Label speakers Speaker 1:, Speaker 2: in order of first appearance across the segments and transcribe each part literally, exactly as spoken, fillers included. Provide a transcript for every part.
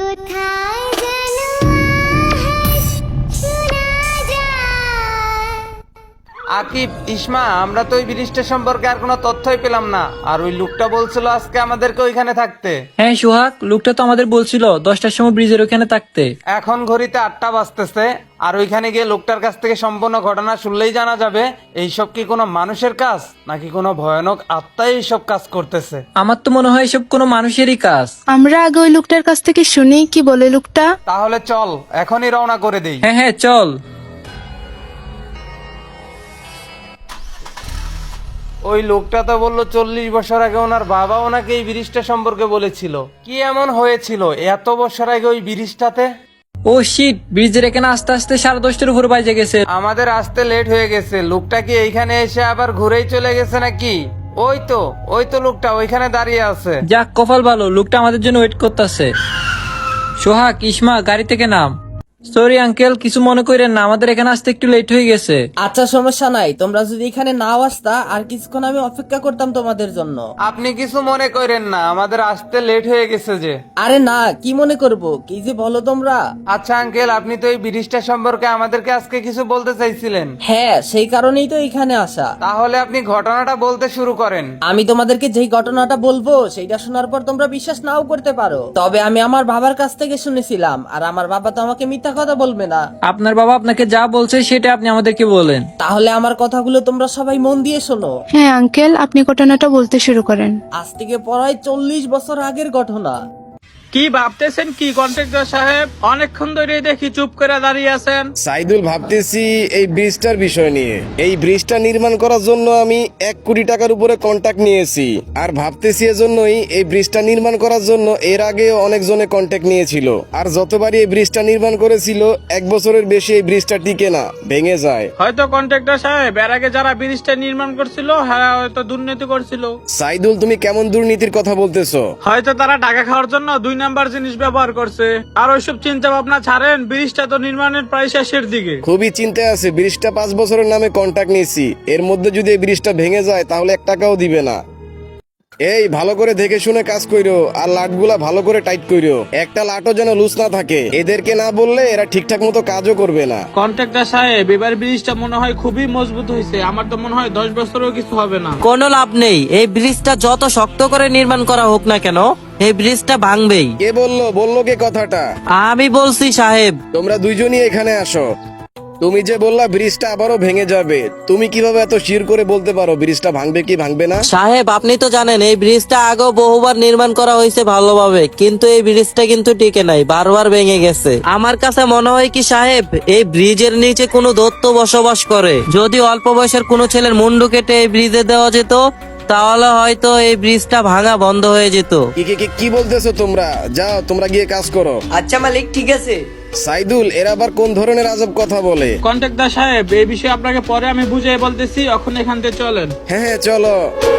Speaker 1: কোথায় যেন আহাস শোনা যায়।
Speaker 2: আকিব, ইসমা, আমরা তো ওই ব্রিজটা সম্পর্কে আর কোনো তথ্যই পেলাম না। আর ওই লোকটা বলছিল আজকে আমাদেরকে ওইখানে থাকতে।
Speaker 3: হ্যাঁ সোহাগ, লোকটা তো আমাদের বলছিল দশটার সময় ব্রিজের ওখানে থাকতে।
Speaker 2: এখন ঘড়িতে আটটা বাজতেছে, আর ওইখানে গিয়ে লোকটার কাছ থেকে সম্পূর্ণ ঘটনা শুনলেই জানা যাবে এইসব কি কোনো মানুষের কাজ নাকি কোনো ভয়ানক আত্মাই এইসব কাজ করতেছে।
Speaker 3: আমার তো মনে হয় এসব কোনো মানুষেরই কাজ।
Speaker 4: আমরা আগে ওই লোকটার কাছ থেকে শুনি কি বলে লোকটা।
Speaker 2: তাহলে চল এখনই রওনা করে দেই।
Speaker 3: হ্যাঁ হ্যাঁ চল।
Speaker 2: ওই লোকটা তো বললো চল্লিশ বছর আগে ওনার বাবা ওনাকে এই ব্রিজটা সম্পর্কে বলেছিল। কি এমন হয়েছিল এত বছর আগে ওই ব্রিজটাতে?
Speaker 3: ও শিট, ব্রিজের এখানে আস্তে আস্তে সাড়ে দশটার উপর বাজে গেছে।
Speaker 2: আমাদের আসতে লেট হয়ে গেছে। লোকটা কি এইখানে এসে আবার ঘুরেই চলে গেছে নাকি? ওই তো ওই তো লোকটা ওইখানে দাঁড়িয়ে আছে।
Speaker 3: যাক, কপাল ভালো, লোকটা আমাদের জন্য ওয়েট করতেছে। সোহাগ, ইসমা, গাড়ি থেকে নাম। সরি আঙ্কেল, কিছু মনে করেন না, আমাদের এখানে আসতে একটু লেট হয়ে গেছে।
Speaker 5: আচ্ছা সমস্যা নাই, তোমরা যদি এখানে নাও আসতা আর কিছুক্ষণ আমি অপেক্ষা করতাম তোমাদের জন্য।
Speaker 2: আপনি কিছু মনে করেন না, আমাদের আসতে লেট হয়ে গেছে যে।
Speaker 5: আরে না, কি মনে করব, কি যে বলো তোমরা।
Speaker 2: আচ্ছা আঙ্কেল, আপনি তো এই ব্রিজটা সম্পর্কে আমাদেরকে আজকে কিছু বলতে চাইছিলেন।
Speaker 5: হ্যাঁ, সেই কারণেই তো এখানে আসা।
Speaker 2: তাহলে আপনি ঘটনাটা বলতে শুরু করেন।
Speaker 5: আমি তোমাদেরকে যেই ঘটনাটা বলবো সেইটা শোনার পর তোমরা বিশ্বাস নাও করতে পারো, তবে আমি আমার বাবার কাছ থেকে শুনেছিলাম, আর আমার বাবা তো আমাকে মিথ্যা কথা বলবে না।
Speaker 3: আপনার বাবা আপনাকে যা বলছে সেটা আপনি আমাদেরকে বলেন।
Speaker 5: তাহলে আমার কথাগুলো তোমরা সবাই মন দিয়ে শোনো।
Speaker 4: হ্যাঁ আঙ্কেল, আপনি ঘটনাটা বলতে শুরু করেন।
Speaker 5: আজ থেকে প্রায় চল্লিশ বছর আগের ঘটনা।
Speaker 6: কি ভাবতেছেন কি কন্ট্রাক্টর সাহেব? অনেকক্ষণ ধরে দেখি চুপ করে দাঁড়িয়ে আছেন।
Speaker 7: সাইদুল, ভাবতেছি এই ব্রিজটার বিষয় নিয়ে। এই ব্রিজটা নির্মাণ করার জন্য আমি এক কোটি টাকার উপরে কন্ট্যাক্ট নিয়েছি, আর ভাবতেছি এজন্যই এই ব্রিজটা নির্মাণ করার জন্য এর আগে অনেকজনে কন্ট্যাক্ট নিয়েছিল, আর যতবারই এই ব্রিজটা নির্মাণ করেছিল এক বছরের বেশি এই ব্রিজটা টিকে না, ভেঙে যায়।
Speaker 6: হয়তো কন্ট্রাক্টর সাহেব এর আগে যারা ব্রিজটা নির্মাণ করছিল হ্যাঁ হয়তো দুর্নীতি করছিল।
Speaker 7: সাইদুল, তুমি কেমন দুর্নীতির কথা বলতেছো?
Speaker 6: হয়তো তারা টাকা খাওয়ার জন্য দুই নাম্বার জিনিস ব্যবহার করছে। আর ওইসব চিন্তা ভাবনা ছাড়েন, ব্রিজটা তো নির্মাণের প্রায় শেষের দিকে।
Speaker 7: খুবই চিন্তায় আছে। ব্রিজটা পাঁচ বছরের নামে কন্ট্যাক্ট নিয়েছি, এর মধ্যে যদি এই ব্রিজটা ভেঙে যায় তাহলে এক টাকাও দিবে না। এই ভালো করে দেখে শুনে কাজ কইরো, আর লাটগুলা ভালো করে টাইট কইরো, একটা লাটও যেন লুজ না থাকে। এদেরকে না বললে এরা ঠিকঠাক মতো কাজও করবে না।
Speaker 6: কন্ট্রাক্টর সাহেব, এবার ব্রিজটা মনে হয় খুবই মজবুত হয়েছে। আমার তো মনে হয় দশ বছরও কিছু হবে না।
Speaker 8: কোনো লাভ নেই, এই ব্রিজটা যত শক্ত করে নির্মাণ করা হোক না কেন এই ব্রিজটা ভাঙবেই।
Speaker 7: কে বললো বললো কে কথাটা?
Speaker 8: আমি বলছি সাহেব।
Speaker 7: তোমরা দুইজনই এখানে আসো। তুমি যে বললা ব্রিজটা আবারও ভেঙে যাবে, তুমি কিভাবে এত শির করে বলতে পারো ব্রিজটা ভাঙবে কি ভাঙবে না?
Speaker 8: সাহেব, আপনি তো জানেন এই ব্রিজটা আগেও বহুবার নির্মাণ করা হয়েছে ভালোভাবে, কিন্তু এই ব্রিজটা কিন্তু টিকে নাই, বারবার ভেঙে গেছে। আমার কাছে মনে হয় কি সাহেব, এই ব্রিজের নিচে কোনো দৈত্য বসবাস করে। যদি অল্প বয়সের কোনো ছেলের মুন্ডু কেটে এই ব্রিজে দেওয়া যেত তাহলে হয়তো এই ব্রিজটা ভাঙা বন্ধ হয়ে যেত।
Speaker 7: কি কি কি বলতেছো তোমরা? যাও তোমরা গিয়ে কাজ করো।
Speaker 8: আচ্ছা মালিক, ঠিক আছে।
Speaker 7: সাইদুল, এরা আবার কোন ধরনের আজব কথা বলে?
Speaker 6: কন্ট্রাক্টর সাহেব, এই বিষয়ে আপনাকে পরে আমি বুঝিয়ে বলতেছি, এখন এখান থেকে চলেন।
Speaker 7: হ্যাঁ হ্যাঁ চলো।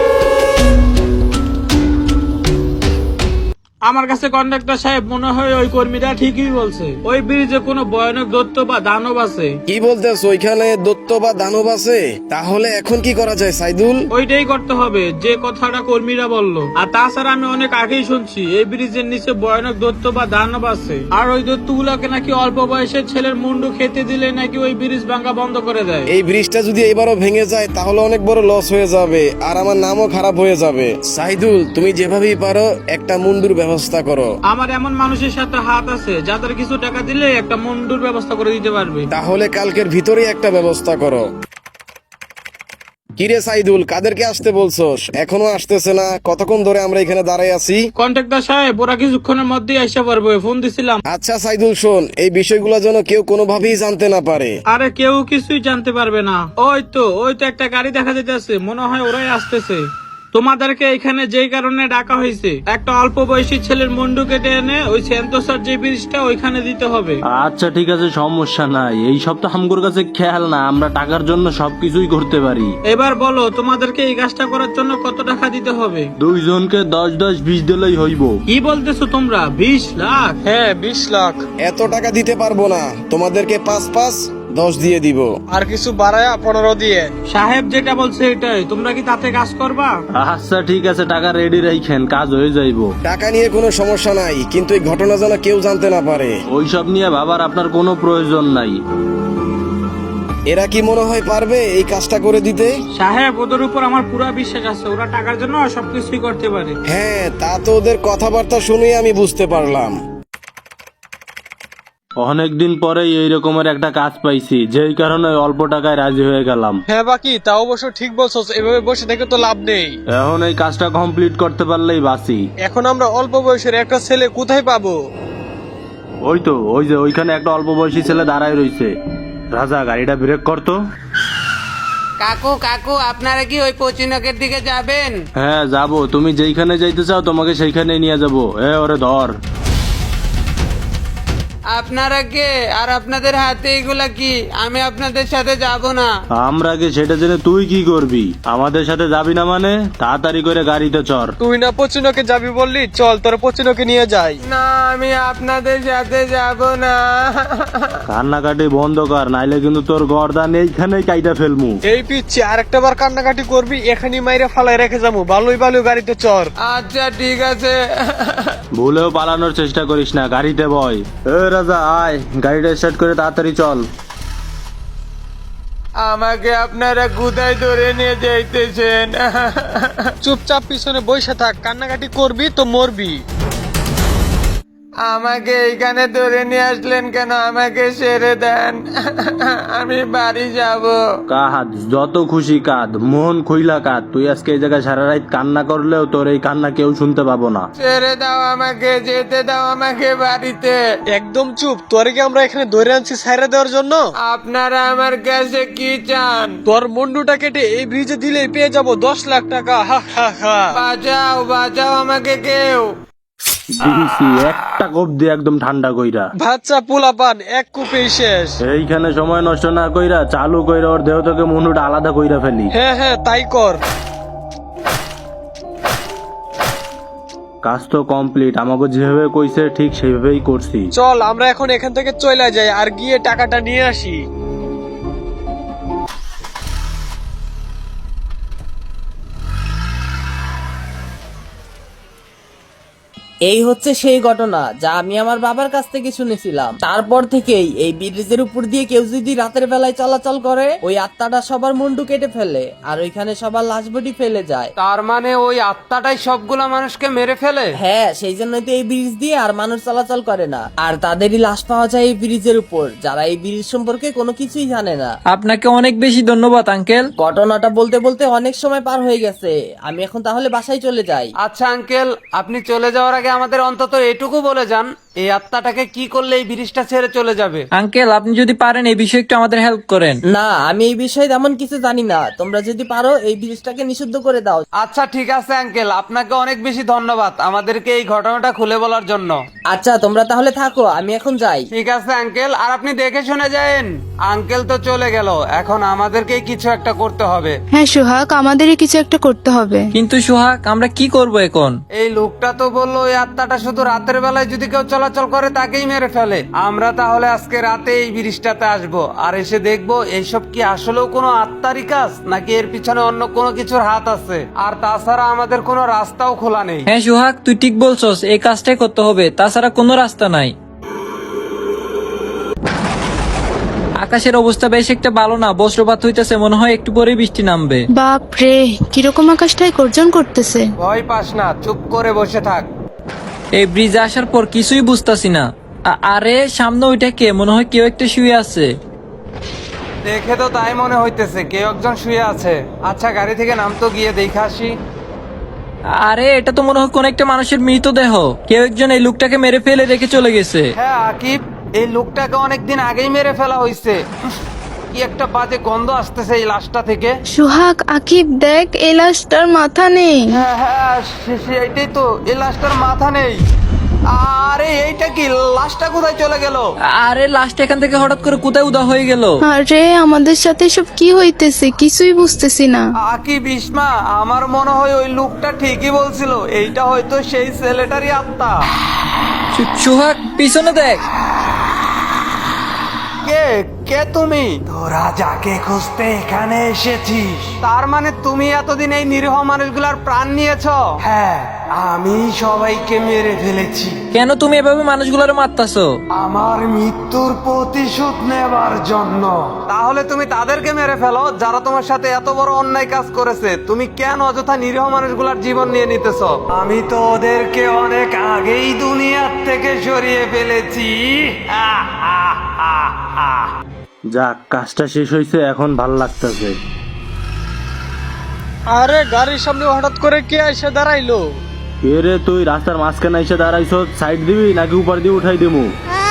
Speaker 6: আমার কাছে কন্ট্রাক্টর সাহেব মনে হয় ওই কর্মীরা ঠিকই বলছে, ওই ব্রিজে কোনো ভয়ানক দৈত্য বা দানব আছে।
Speaker 7: কি বলতেছো? ওইখানে দৈত্য বা দানব আছে? তাহলে এখন কি করা যায় সাইদুল?
Speaker 6: ওইটাই করতে হবে যে কথাটা কর্মীরা বললো। আর তাছাড়া আমি অনেক আগেই শুনছি এই ব্রিজের নিচে ভয়ানক দৈত্য বা দানব আছে, আর ওই দৈত্যগুলোকে নাকি অল্প বয়সের ছেলের মুন্ডু খেতে দিলে নাকি ওই ব্রিজ ভাঙা বন্ধ করে দেয়।
Speaker 7: এই ব্রিজটা যদি এবারও ভেঙে যায় তাহলে অনেক বড় লস হয়ে যাবে, আর আমার নামও খারাপ হয়ে যাবে। সাইদুল, তুমি যেভাবেই পারো একটা মুন্ডুর ব্যবস্থা করো।
Speaker 6: আমার এমন মানুষের সাথে হাত আছে যাদের কিছু টাকা দিলে একটা মুন্ডুর ব্যবস্থা করে দিতে পারবে।
Speaker 7: তাহলে কালকের ভিতরেই একটা ব্যবস্থা করো। কিরে সাইদুল, কাদেরকে আসতে বলছস? এখনো আসতেছে না? কতক্ষণ ধরে আমরা এখানে দাঁড়াই আছি।
Speaker 6: কন্ট্রাক্টর সাহেব, ওরা কিছুক্ষণের মধ্যেই আসতে পারবে, ফোন দিছিলাম।
Speaker 7: আচ্ছা সাইদুল শোন, এই বিষয়গুলো যেন কেউ কোনোভাবেই জানতে না পারে।
Speaker 6: আরে কেউ কিছুই জানতে পারবে না। ওই তো ওই তো একটা গাড়ি দেখা যেতেছে, মনে হয় ওরাই আসতেছে। তোমাদেরকে এখানে যেই কারণে ডাকা হয়েছে, একটা অল্প বয়সী ছেলের মুন্ডু কেটে এনে ওই সেন্তোসার যে ব্রিজটা ওইখানে দিতে হবে।
Speaker 9: আচ্ছা ঠিক আছে, সমস্যা নাই। এই সব তো আমগোর কাছে খেয়াল না, আমরা টাকার জন্য সবকিছুই করতে পারি।
Speaker 6: এবার বলো তোমাদেরকে এই কাজটা করার জন্য কত টাকা দিতে হবে?
Speaker 9: দুইজনকে দশ দশ বিশ দিলেই হইব।
Speaker 6: কি বলতেছো তোমরা? বিশ লাখ? হ্যাঁ বিশ লাখ।
Speaker 7: এত টাকা দিতে পারবো না, তোমাদেরকে পাঁচ পাঁচ দশ দিয়ে দিব।
Speaker 10: আর কিছু বাড়ায়া পনেরো দিয়ে।
Speaker 6: সাহেব যেটা বলছে এটাই, তোমরা কি তাতে কাজ করবা?
Speaker 9: আচ্ছা ঠিক আছে, টাকা রেডি রাখেন, কাজ হয়ে যাইবো।
Speaker 7: টাকা নিয়ে কোনো সমস্যা নাই, কিন্তু এই ঘটনা যেন কেউ জানতে না পারে।
Speaker 9: ওইসব নিয়ে ভাবার আপনার কোনো প্রয়োজন নাই।
Speaker 7: এরা কি মনে হয় পারবে এই কাজটা করে দিতে?
Speaker 6: সাহেব, ওদের উপর আমার পুরো বিশ্বাস আছে, ওরা টাকার জন্য সবকিছুই করতে পারে।
Speaker 7: হ্যাঁ, তা তো ওদের কথাবার্তা শুনে আমি বুঝতে পারলাম।
Speaker 9: অনেকদিন পরেই এই রকমের একটা কাজ পাইছি, যেই কারণে অল্প টাকায় রাজি হয়ে গেলাম।
Speaker 10: হ্যাঁ বাকি, তা অবশ্য ঠিক বলছো, এভাবে বসে থেকে তো লাভ নেই।
Speaker 9: এখন এই কাজটা কমপ্লিট করতে পারলেই বাঁচি।
Speaker 10: এখন আমরা অল্প বয়সের একটা ছেলে কোথায় পাবো?
Speaker 9: ওই তো, ওই যে ওইখানে একটা অল্প বয়সী ছেলে দাঁড়ায় রইছে। রাজা, গাড়িটা ব্রেক করতো।
Speaker 2: কাকু কাকু, আপনারা কি ওই পচিনকের দিকে যাবেন?
Speaker 9: হ্যাঁ যাবো, তুমি যেইখানে যাইতে চাও তোমাকে সেইখানে নিয়ে যাবো। এ ওরে ধর।
Speaker 2: আপনারা কে, আর আপনাদের হাতে এগুলা কি? আমি আপনাদের সাথে যাব না।
Speaker 9: আমরা কে সেটা জেনে তুই কি করবি? আমাদের সাথে যাবি না মানে? তাড়াতাড়ি করে গাড়িতে চড়।
Speaker 10: তুই না পচিনকে যাবি বললি, চল তোর পচিনকে নিয়ে যাই।
Speaker 2: না, আমি আপনাদের সাথে যাব না।
Speaker 9: কান্নাকাটি বন্ধ কর, নাইলে কিন্তু তোর গর্দান এইখানে কাইটা ফেলমু।
Speaker 10: এই পিচ্ছি আর একটা বার কান্নাকাটি করবি, এখানে মাইরে ফালাই রেখে যাবো। ভালোই ভালো গাড়িতে চর।
Speaker 2: আচ্ছা ঠিক আছে।
Speaker 9: ভুলেও পালানোর চেষ্টা করিস না, গাড়িতে বয়। এ রাজা আয়, গাড়িটা স্টার্ট করে তাড়াতাড়ি চল।
Speaker 2: আমাকে আপনারা কোথায় ধরে নিয়ে যাইতেছেন?
Speaker 10: চুপচাপ পিছনে বসে থাক, কান্নাকাটি করবি তো মরবি।
Speaker 2: আমাকে এইখানে ধরে নিয়ে আসলেন কেন? আমাকে ছেড়ে দেন, আমি বাড়ি যাব।
Speaker 9: কাঁদ, যত খুশি কাঁদ, মন খুইলা কাঁদ। তুই আজকে এই জায়গায় সারা রাত কান্না করলেও তোর এই কান্না কেউ শুনতে পাবো না।
Speaker 2: ছেড়ে দাও আমাকে, যেতে দাও আমাকে বাড়িতে।
Speaker 10: একদম চুপ, তোরে কি আমরা এখানে ধরে আনছি ছাইরা দেওয়ার জন্য?
Speaker 2: আপনারা আমার কাছে কি চান?
Speaker 10: তোর মুন্ডুটা কেটে এই ব্রিজে দিলেই পেয়ে যাবো দশ লাখ টাকা। হা হা হা।
Speaker 2: বাঁচাও বাঁচাও আমাকে কেউ।
Speaker 9: দিছি একটা কোপ দিয়ে একদম ঠান্ডা কইরা।
Speaker 10: বাচ্চা পোলাপান এক কূপেই শেষ।
Speaker 9: এইখানে সময় নষ্ট না কইরা চালু কইরা ওর দেহ থেকে মুন্ডুটা আলাদা কইরা ফেলি।
Speaker 10: হ্যাঁ হ্যাঁ তাই কর।
Speaker 9: কাজ তো কমপ্লিট, আমাকে যেভাবে কইছে ঠিক সেভাবেই করছি।
Speaker 10: চল আমরা এখন এখান থেকে চলে যাই আর গিয়ে টাকাটা নিয়ে আসি।
Speaker 5: এই হচ্ছে সেই ঘটনা যা আমি আমার বাবার কাছ থেকে শুনেছিলাম। তারপর থেকেই এই ব্রিজের উপর দিয়ে কেউ যদি রাতের বেলায় চলাচল করে, ওই আত্মাটা সবার মুন্ডু কেটে ফেলে আর ওইখানে সবার লাশ বডি ফেলে যায়।
Speaker 2: তার মানে ওই আত্মাটাই সবগুলা মানুষকে মেরে ফেলে?
Speaker 5: হ্যাঁ, সেই জন্যই তো এই ব্রিজ দিয়ে আর মানুষ চলাচল করে না, আর তাদেরই লাশ পাওয়া যায় এই ব্রিজের উপর, যারা এই ব্রিজ সম্পর্কে কোনো কিছুই জানে না।
Speaker 3: আপনাকে অনেক বেশি ধন্যবাদ আঙ্কেল।
Speaker 5: ঘটনাটা বলতে বলতে অনেক সময় পার হয়ে গেছে, আমি এখন তাহলে বাসায় চলে যাই।
Speaker 2: আচ্ছা আঙ্কেল, আপনি চলে যাওয়ার আগে আমাদের অন্তত এটুকু বলে যান, এই আত্মাটাকে কি করলে এই ব্রিজটা ছেড়ে চলে যাবে?
Speaker 3: আঙ্কেল, আপনি যদি পারেন এই বিষয়ে একটু আমাদের হেল্প করেন।
Speaker 5: না, আমি এই বিষয়ে তেমন কিছু জানি না, তোমরা যদি পারো এই ব্রিজটাকে নিষিদ্ধ করে দাও।
Speaker 2: আচ্ছা ঠিক আছে আঙ্কেল, আপনাকে অনেক বেশি ধন্যবাদ আমাদেরকে এই ঘটনাটা খুলে বলার জন্য।
Speaker 5: আচ্ছা তোমরা তাহলে থাকো, আমি এখন যাই।
Speaker 2: ঠিক আছে আঙ্কেল, আর আপনি দেখে শুনে যায়েন। আঙ্কেল তো চলে গেল, এখন আমাদেরকেই কিছু একটা করতে হবে।
Speaker 4: হ্যাঁ সোহাগ, আমাদেরই কিছু একটা করতে হবে।
Speaker 3: কিন্তু সোহাগ, আমরা কি করব এখন?
Speaker 2: এই লোকটা তো বললো ওই আত্মাটা শুধু রাতের বেলায় যদি কেউ চলাচল করে তাকেই মেরে ফেলে। আমরা তাহলে আজকে রাতে এই ব্রিজটাতে আসবো, আর এসে দেখবো এইসব কি আসলেও কোনো আত্মারই কাজ, নাকি এর পিছনে অন্য কোনো কিছুর হাত আছে। আর তাছাড়া আমাদের কোনো রাস্তাও খোলা নেই।
Speaker 3: হ্যাঁ সোহাগ, তুই ঠিক বলছস, এই কাজটাই করতে হবে, তাছাড়া কোনো রাস্তা নাই। আকাশের অবস্থা বেশ একটা ভালো না, বজ্রপাত হইতেছে, মনে হয় একটু পরে বৃষ্টি নামবে।
Speaker 4: বাপ রে, কিরকম আকাশটাই গর্জন করতেছে।
Speaker 2: ভয় পাস না, চুপ করে বসে থাক।
Speaker 3: এই ব্রিজে আসার পর কিছুই বুঝতাছি না। আ- আরে সামনে ওইটা কে? মনে হয় কেউ একটা শুয়ে আছে।
Speaker 2: দেখে তো তাই মনে হইতেছে, কেউ একজন শুয়ে আছে। আচ্ছা গাড়ি থেকে নাম তো, গিয়ে দেখে আসি।
Speaker 3: আরে এটা তো মনে হয় কোন একটা মানুষের মৃতদেহ। কেউ একজন এই লোকটাকে মেরে ফেলে রেখে চলে গেছে।
Speaker 2: হ্যাঁ আকিব, এই লোকটাকে অনেকদিন আগেই মেরে ফেলা হয়েছে। উফ, কি একটা বাজে গন্ধ আসতেছে এই লাশটা থেকে।
Speaker 4: সোহাগ, আকিব দেখ, এই লাশটার মাথা নেই।
Speaker 2: হ্যাঁ হ্যাঁ, সে- সে- এইটাই তো, এই লাশটার মাথা নেই। আরে এইটা কি, লাশটা কোথায় চলে গেল?
Speaker 3: আরে লাশটা এখান থেকে হঠাৎ করে কোথায় উদা হয়ে গেল?
Speaker 4: আরে আমাদের সাথে সব কি হইতেছে, কিছুই বুঝতেছি না।
Speaker 2: আকিব, ইসমা, আমার মনে হয় ওই লোকটা ঠিকই বলছিল, এইটা হয়তো সেই ছেলেটারই আত্মা।
Speaker 3: সু- সোহাগ, পিছনে দেখ।
Speaker 2: কে কে তুমি? তোরা যাকে খুঁজতে এখানে এসেছিস, তার মানে তুমি এতদিন এই নিরীহ মানুষগুলার প্রাণ নিয়েছো? হ্যাঁ, আমি সবাইকে মেরে ফেলেছি।
Speaker 3: কেন তুমি এভাবে মানুষগুলোর মারতাছো?
Speaker 2: আমার মৃত্যুর প্রতিশোধ নেবার জন্য। তাহলে তুমি তাদেরকে মেরে ফেলো যারা তোমার সাথে এত বড় অন্যায় কাজ করেছে। তুমি কেন অযথা নিরীহ মানুষগুলার জীবন নিয়ে নিতেছ? আমি তো ওদেরকে অনেক আগেই দুনিয়ার থেকে সরিয়ে ফেলেছি। আহ, আহ, আহ, আহ।
Speaker 9: যাক, কাজটা শেষ হয়েছে, এখন ভাল লাগতেছে।
Speaker 10: আরে গাড়ির সামনে হঠাৎ করে কে এসে দাঁড়াইলো?
Speaker 9: এরে তুই রাস্তার মাঝখানে এসে দাঁড়াইছ, সাইড দিবি নাকি উপর দিয়ে উঠাই দেবো?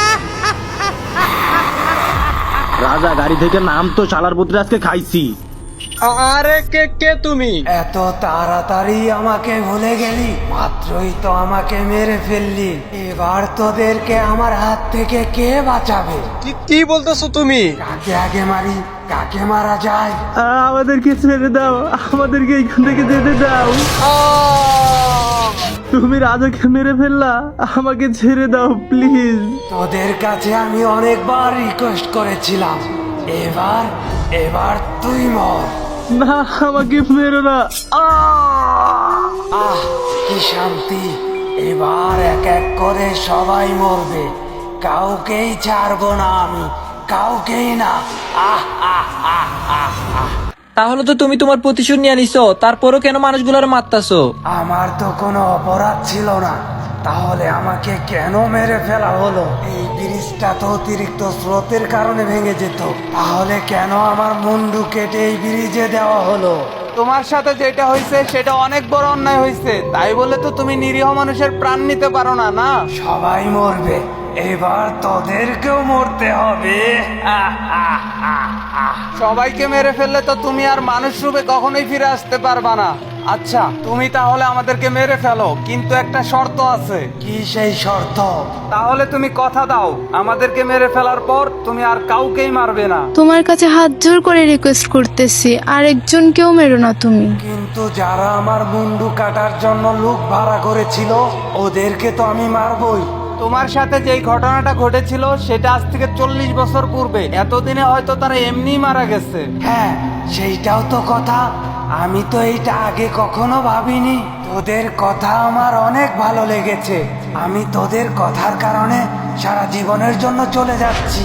Speaker 9: রাজা গাড়ি থেকে নাম, তো শালার পুত্রে আজকে খাইছি।
Speaker 10: আরে কে কে তুমি?
Speaker 2: এত তাড়াতাড়ি আমাকে ভুলে গেলি? মাত্রই তো আমাকে মেরে ফেললি। এবার তোদেরকে আমার হাত থেকে কে বাঁচাবে?
Speaker 10: কি কি বলতেছো তুমি?
Speaker 2: কাকে আগে মারি, কাকে মারা যায়?
Speaker 9: আমাদেরকে ছেড়ে দাও, আমাদেরকে এইখান থেকে যেতে দাও। তুমি রাজাকে মেরে ফেললা, আমাকে ছেড়ে দাও প্লিজ।
Speaker 2: তোদের কাছে আমি অনেকবার রিকোয়েস্ট করেছিলাম, এবার এবার তুই মর।
Speaker 9: না, আমাকে মেরো না।
Speaker 2: আহ, কি শান্তি! এবার এক এক করে সবাই মরবে, কাউকেই ছাড়বো না আমি, কাউকেই না। আহ আহ আহ আহ আহ।
Speaker 3: তাহলে তো তুমি তোমার প্রতিশোধ নিয়ে নিছো, তারপরও কেন মানুষগুলোর মারতাছো?
Speaker 2: আমার তো কোনো অপরাধ ছিল না, তাহলে আমাকে কেন মেরে ফেলা হলো? এই ব্রিজটা তো অতিরিক্ত স্রোতের কারণে ভেঙে যেত, তাহলে কেন আমার মুন্ডু কেটে এই ব্রিজে দেওয়া হলো? তোমার সাথে যেটা হয়েছে সেটা অনেক বড় অন্যায় হয়েছে, তাই বলে তো তুমি নিরীহ মানুষের প্রাণ নিতে পারো না। না, সবাই মরবে, এবার তোদেরকেও মরতে হবে। আহ, আহ, আহ, আহ। সবাইকে মেরে ফেললে তো তুমি আর মানুষ রূপে কখনোই ফিরে আসতে পারবা না। আচ্ছা, তুমি তাহলে আমাদেরকে মেরে ফেলো, কিন্তু একটা শর্ত আছে। কি সেই শর্ত? তাহলে তুমি কথা দাও, আমাদেরকে মেরে ফেলার পর তুমি আর কাউকেই মারবে না।
Speaker 4: তোমার কাছে হাত জোর করে রিকোয়েস্ট করতেছি, আরেকজনকেও মেরো না তুমি।
Speaker 2: কিন্তু যারা আমার মুন্ডু কাটার জন্য লোক ভাড়া করেছিল, ওদেরকে তো আমি মারবই। তোমার সাথে যেই ঘটনাটা ঘটেছিল সেটা আজ থেকে চল্লিশ বছর পূর্বে। এতদিনে হয়তো তারা এমনি মারা গেছে। হ্যাঁ, সেইটাও তো কথা। আমি তো এইটা আগে কখনো ভাবিনি। তোদের কথা আমার অনেক ভালো লেগেছে। আমি তোদের কথার কারণে সারা জীবনের জন্য চলে যাচ্ছি।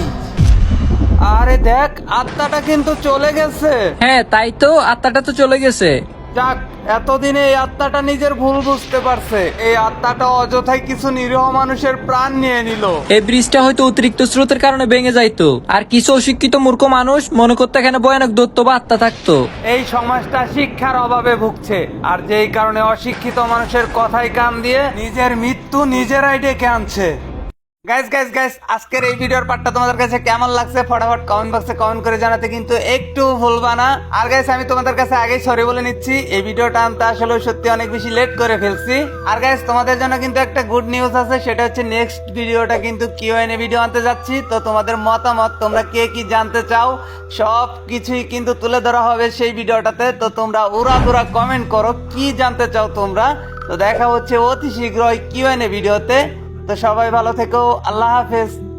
Speaker 2: আরে দেখ, আত্মাটা কিন্তু চলে গেছে।
Speaker 3: হ্যাঁ, তাই তো, আত্মাটা তো চলে গেছে।
Speaker 2: যাক, এতদিনে এই আত্মাটা নিজের ভুল বুঝতে পারছে। এই আত্মাটা অযথাই কিছু নিরীহ মানুষের প্রাণ নিয়ে নিল।
Speaker 3: এই ব্রিজটা হয়তো অতিরিক্ত স্রোতের কারণে ভেঙে যাইতো, আর কিছু অশিক্ষিত মূর্খ মানুষ মনে করতে এখানে ভয়ানক দৈত্য বা আত্মা থাকতো।
Speaker 2: এই সমাজটা শিক্ষার অভাবে ভুগছে, আর যেই কারণে অশিক্ষিত মানুষের কথাই কান দিয়ে নিজের মৃত্যু নিজেরাই ডেকে আনছে। গাইস গাইস গাইস আজকের এই ভিডিওর পার্টটা তোমাদের কাছে কেমন লাগছে ফটাফট কমেন্ট বক্সে কমেন্ট করে জানাতে কিন্তু একটু ভুলবা না। আর গাইস আমি তোমাদের কাছে আগেই সরি বলে নিচ্ছি, এই ভিডিওটা আনতে আসলে সত্যি অনেক বেশি লেট করে ফেলছি। আর গাইস তোমাদের জন্য কিন্তু একটা গুড নিউজ আছে, সেটা হচ্ছে নেক্সট ভিডিওটা কিন্তু কিউএনএ ভিডিও আনতে যাচ্ছি। তো তোমাদের মতামত, তোমরা কে কি জানতে চাও, সব কিছুই কিন্তু তুলে ধরা হবে সেই ভিডিওটাতে। তো তোমরা উড়াদুরা কমেন্ট করো কি জানতে চাও তোমরা। তো দেখা হচ্ছে অতি শীঘ্রই কিউএনএ ভিডিওতে। তো সবাই ভালো থেকো, আল্লাহ হাফেজ।